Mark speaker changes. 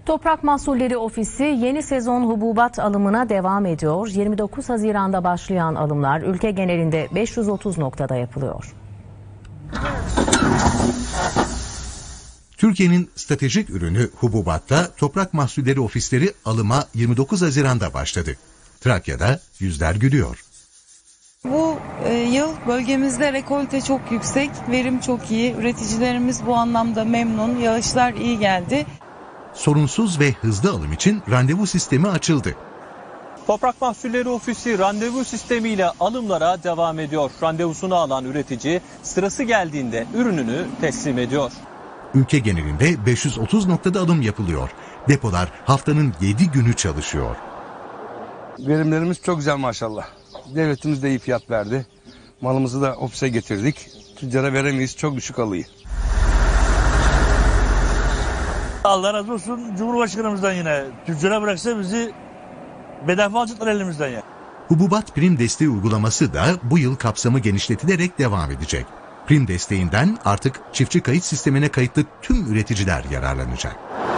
Speaker 1: Toprak Mahsulleri Ofisi yeni sezon hububat alımına devam ediyor. 29 Haziran'da başlayan alımlar ülke genelinde 530 noktada yapılıyor.
Speaker 2: Türkiye'nin stratejik ürünü hububatta Toprak Mahsulleri Ofisleri alıma 29 Haziran'da başladı. Trakya'da yüzler gülüyor.
Speaker 3: Bu yıl bölgemizde rekolte çok yüksek, verim çok iyi. Üreticilerimiz bu anlamda memnun, yağışlar iyi geldi.
Speaker 2: Sorunsuz ve hızlı alım için randevu sistemi açıldı.
Speaker 4: Toprak Mahsulleri Ofisi randevu sistemiyle alımlara devam ediyor. Randevusunu alan üretici sırası geldiğinde ürününü teslim ediyor.
Speaker 2: Ülke genelinde 530 noktada alım yapılıyor. Depolar haftanın 7 günü çalışıyor.
Speaker 5: Verimlerimiz çok güzel maşallah. Devletimiz de iyi fiyat verdi. Malımızı da ofise getirdik. Tüccara veremeyiz, çok düşük alıyı.
Speaker 6: Allah razı olsun Cumhurbaşkanımızdan yine. Tüccara bıraksa bizi bedava alacaklar elimizden ya.
Speaker 2: Hububat prim desteği uygulaması da bu yıl kapsamı genişletilerek devam edecek. Prim desteğinden artık çiftçi kayıt sistemine kayıtlı tüm üreticiler yararlanacak.